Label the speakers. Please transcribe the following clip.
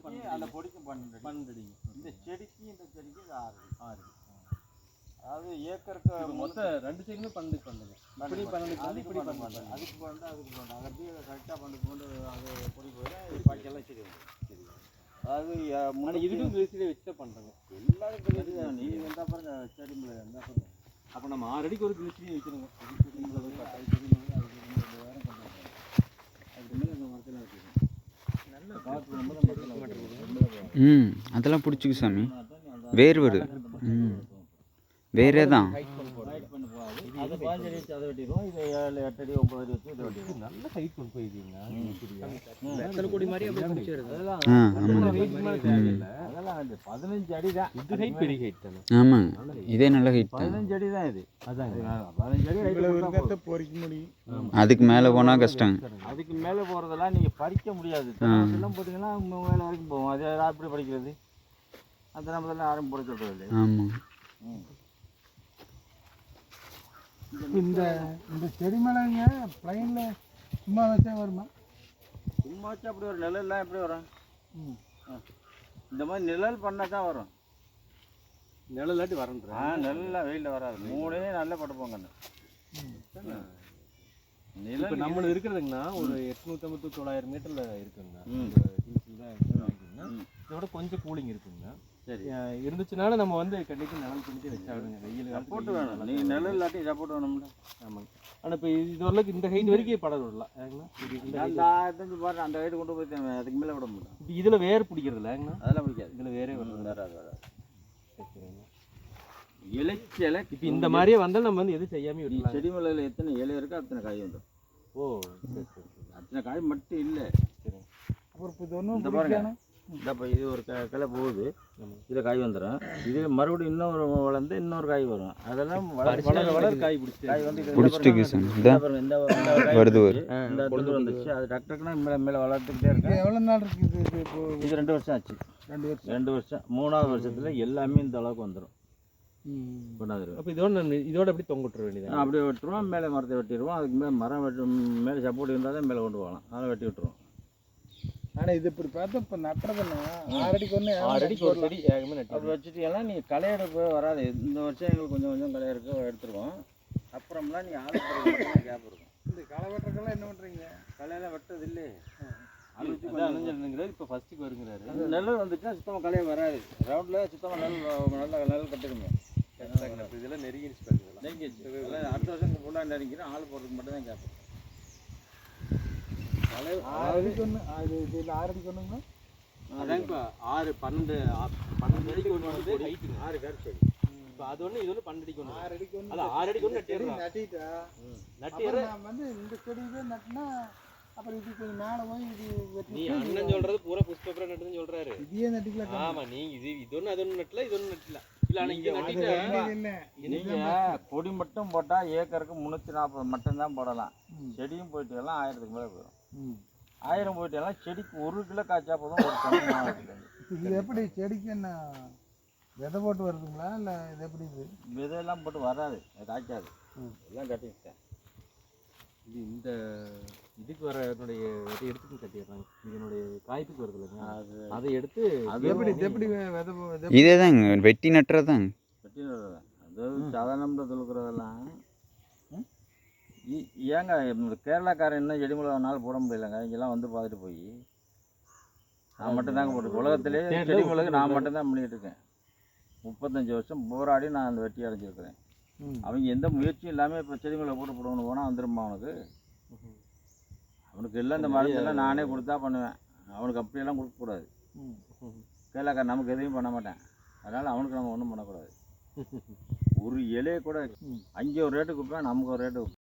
Speaker 1: அந்த பொடிக்கு 12 அடி. இந்த செடிக்கு இது 6 அடி. அதாவது ஏக்கருக்கு
Speaker 2: மொத்தம் 2 சைடுமே 12 பண்ணுங்க. இப்படி 12 இப்படி 12
Speaker 1: அதுக்கு 12 அதுக்கு 12 அது அப்படியே கரெக்டாக 12 அது பொடி போயிடும். பாக்கியெல்லாம் சரி வந்து சரி. அதாவது முன்னாடி
Speaker 2: இதுக்கும் கிளிசரின் வச்சு தான் பண்ணுறோங்க.
Speaker 1: எல்லாரும் தெரியுது. நீங்கள் எந்த பாருங்க செடி மிளகு எந்த பாருங்க.
Speaker 2: அப்போ நம்ம 6 அடிக்கு ஒரு கிளிசரின் வைக்கணுங்க.
Speaker 1: செடி மிளகு செடி மிளகு அதுக்கு 2 வேரம் கொண்டு வரணும். அதுக்கு மேலே இந்த மரத்தில் வச்சுக்கணும். நல்ல காற்று ரொம்ப
Speaker 3: அதெல்லாம் பிடிச்சிக்கு சாமி. வேர் வருது. வேறே தான்.
Speaker 1: அது 15 அடி அதை வெட்டிடுவோம். இது 7 8 அடி 9 அடி வச்சு இதை வெட்டிடுவோம்.
Speaker 2: நல்ல ஹைட் கொண்டு போயிருக்கீங்க. எத்தனை கோடி மாதிரி அப்படியே முடிச்சிருது.
Speaker 1: அதெல்லாம் அது 15 அடி தான்.
Speaker 2: இது ஹைட் பெரிய ஹைட் தானே.
Speaker 3: ஆமாங்க, இதே நல்ல ஹைட் தான்.
Speaker 1: 15 அடி தான் இது.
Speaker 2: அதான்
Speaker 1: 15 அடி ஹைட்
Speaker 4: பொறிக்க முடியும்.
Speaker 3: அதுக்கு மேலே போனால் கஷ்டம்.
Speaker 1: அதுக்கு மேலே போகிறதெல்லாம் நீங்கள் பறிக்க முடியாது. எல்லாம் போட்டிங்கன்னா மேலே வரைக்கும் போகும். அது எப்படி பறிக்கிறது? அந்த நம்ம யாரும் பொறிக்க சொல்கிறது.
Speaker 3: ஆமாம்.
Speaker 4: இந்த செடி மேலேங்க பிளைனில் சும்மா வச்சா வருமா?
Speaker 1: சும்மா வச்சு அப்படி ஒரு நிழல்லாம் எப்படி வரும்? இந்த மாதிரி நிழல் பண்ணால் தான் வரும்.
Speaker 2: நிழலாட்டி வரன்றேன்.
Speaker 1: நிழல்லாம் வெயிலில் வராது. 3 நல்லா படுப்போங்க.
Speaker 2: இப்போ நம்மளுக்கு இருக்கிறதுங்கண்ணா ஒரு 850 900 மீட்டரில் இருக்குங்கண்ணா. இதோட கொஞ்சம் கூலிங் இருக்குங்கண்ணா.
Speaker 1: சரி,
Speaker 2: இருந்துச்சுனால நம்ம வந்து கண்டிப்பாக நிழல் பண்ணிட்டு வச்சாடுங்க. வெயில்
Speaker 1: சப்போர்ட் வேணும். நீங்கள் நிழல் இல்லாட்டி சப்போர்ட் வேணும்ல.
Speaker 2: ஆமாங்க. ஆனால் இப்போ இது ஓரளவுக்கு இந்த ஹைட் வரைக்கும் படம் விடலாம்.
Speaker 1: அந்த ஆயிரத்தஞ்சு பாரு அந்த ஹைட்டு கொண்டு போய் அதுக்கு மேலே விட முடியும்.
Speaker 2: இப்போ இதில் வேர் பிடிக்கிறது இல்லைங்கண்ணா.
Speaker 1: அதெல்லாம் பிடிக்காது.
Speaker 2: இதில் வேறே
Speaker 1: வராது.
Speaker 2: சரிங்க.
Speaker 1: இலைச்சலை
Speaker 2: இப்போ இந்த மாதிரியே வந்தால் நம்ம வந்து எதுவும் செய்யாமல் விடலாம்.
Speaker 1: செடி மிளகுல எத்தனை இலை இருக்கோ அத்தனை காய் வந்துடும்.
Speaker 2: ஓ சரி சரி.
Speaker 1: அத்தனை காய் மட்டும் இல்லை.
Speaker 2: சரி.
Speaker 4: அப்புறம் இப்போ இது ஒன்றும்
Speaker 1: இந்த பாருங்க. இப்போ இது ஒரு கிளை போகுது. இதில் காய் வந்துடும். இது மறுபடியும் இன்னொரு வளர்ந்து இன்னொரு காய் வரும். அதெல்லாம்
Speaker 2: வளர காய் பிடிச்சி
Speaker 1: காய் வந்து
Speaker 3: பிடிச்சிட்டு
Speaker 1: இந்த
Speaker 3: வருது
Speaker 1: இந்த கொண்டு வந்துச்சு. அது டக்கு டக்குனா மேலே மேலே வளர்த்துக்கிட்டே இருக்கு.
Speaker 4: எவ்வளோ நாள் இருக்குது இது? இப்போ
Speaker 1: இது 2 வருஷம் ஆச்சு.
Speaker 4: 2
Speaker 1: வருஷம் 3ஆவது வருஷத்தில் எல்லாமே இந்த அளவுக்கு வந்துடும். கொண்டாந்துருவோம்.
Speaker 2: அப்போ இதோட அப்படி தொங்க விட்டுற வேண்டியது.
Speaker 1: அப்படியே வெட்டுருவோம். மேலே மரத்தை வெட்டிடுவோம். அதுக்கு மேலே மரம் மேலே சப்போர்ட் இருந்தால் தான் மேலே கொண்டு போகலாம். அதெல்லாம் வெட்டி விட்டுருவோம்.
Speaker 4: ஆனால் இது இப்படி பார்த்தா இப்போ நட்டுறதுன்னா 6 அடிக்கு
Speaker 2: 6 அடிக்கு ஒரு செடி ஏகமே நட்டு
Speaker 1: அப்படி வச்சுட்டீங்கன்னா நீங்கள் களையெடுப்பு வராது. இந்த வருஷம் எங்களுக்கு கொஞ்சம் கொஞ்சம் களையெடுக்க எடுத்துருவோம். அப்புறம்லாம் நீங்கள் ஆள் கேப் இருக்கும்.
Speaker 4: இந்த களை வெட்டுறதுக்கெல்லாம் என்ன பண்ணுறீங்க?
Speaker 1: களையெல்லாம் வெட்டது இல்லையே.
Speaker 2: அழிஞ்சிருங்கிறாரு. இப்போ ஃபஸ்ட்டுக்கு வருங்கிறாரு.
Speaker 1: அந்த நெல் வந்துச்சுன்னா சுத்தமாக களையே வராது. ரவுண்டில் சுத்தமாக நெல் கட்டுக்கணும்.
Speaker 2: இதெல்லாம் நெருங்கிடுச்சு.
Speaker 1: நெருங்கிடுச்சு. அடுத்த வருஷம் ஃபுல்லாக நெருங்கிடும். ஆள் போடுறதுக்கு மட்டும் தான் கேட்போம்.
Speaker 4: 6 அடிக்கு ஒன்று அது இதில் 6 அடிக்கு ஒன்றுங்களா?
Speaker 2: அதான் இப்போ 6 12 அடிக்கு ஒன்று வந்து ஹைட்டுங்க. 6 பேர் சரி. இப்போ அது ஒன்று இது ஒன்று 12 அடிக்கு ஒன்று.
Speaker 4: 6 அடிக்கு ஒன்று.
Speaker 2: அது 6 அடிக்கு ஒன்று
Speaker 4: நட்டிட்டா
Speaker 2: நட்டிடுற
Speaker 4: நான் வந்து இந்த செடியிலே நட்டினா அப்புறம் இது கொஞ்சம் மேலே போய் இது
Speaker 2: நீ அண்ணன் சொல்றது பூரா புஷ்பபுரம் நட்டுன்னு சொல்றாரு.
Speaker 4: இதையே நட்டிக்கலாம்.
Speaker 2: ஆமாம், நீங்கள் இது ஒன்று அது ஒன்று நட்டல, இது ஒன்று நட்டல. இல்லை ஆனால் இங்கே நட்டிட்டு
Speaker 1: நீங்கள் பொடி மட்டும் போட்டால் ஏக்கருக்கு 340 மட்டும்தான் போடலாம். செடியும் போயிட்டு எல்லாம் 1000க்கு மேலே போயிடும். 1000 போயிட்டு எல்லாம் செடிக்கு 1 கிலோ காய்ச்சா போதும். ஒரு டன்.
Speaker 4: இது எப்படி செடிக்கு என்ன விதை போட்டு வருதுங்களா இல்லை இது எப்படி? இது
Speaker 1: விதையெல்லாம் போட்டு வராது, காய்க்காது. எல்லாம் கட்டிக்கிட்டேன்.
Speaker 2: இது இந்த இதுக்கு வர என்னுடைய எடுத்துக்கு கட்டிடுறாங்க. இதனுடைய காய்ப்புக்கு வருது இல்லைங்க, அதை எடுத்து
Speaker 4: அது எப்படி எப்படி விதை
Speaker 3: இதே தாங்க வெட்டி நட்டுறதாங்க.
Speaker 1: வெட்டி நடுறதா? அதாவது சாதாரண தொழுக்கிறதெல்லாம் ஏங்க கேரளாக்காரன் இன்னும் செடி மிளகா நாள் போட முடியலைங்க. இங்கெல்லாம் வந்து பார்த்துட்டு போய் நான் மட்டும்தாங்க போட்டு உலகத்திலேயே செடி மிளகு நான் மட்டும்தான் பண்ணிக்கிட்டு இருக்கேன். 35 வருஷம் போராடி நான் அந்த வெட்டி அடைஞ்சிருக்கிறேன். அவங்க எந்த முயற்சியும் இல்லாமல் இப்போ செடி மிளகு போட்டு போடணும் போனால் வந்துடுமா அவனுக்கு? அவனுக்கு எல்லாம் இந்த மருந்தெல்லாம் நானே கொடுத்தா பண்ணுவேன். அவனுக்கு அப்படியெல்லாம் கொடுக்கக்கூடாது. கேரளாக்காரன் நமக்கு எதையும் பண்ண மாட்டேன். அதனால் அவனுக்கு நம்ம ஒன்றும் பண்ணக்கூடாது. ஒரு இலையை கூட அங்கே ஒரு ரேட்டு கொடுப்பேன், நமக்கு ஒரு ரேட்டு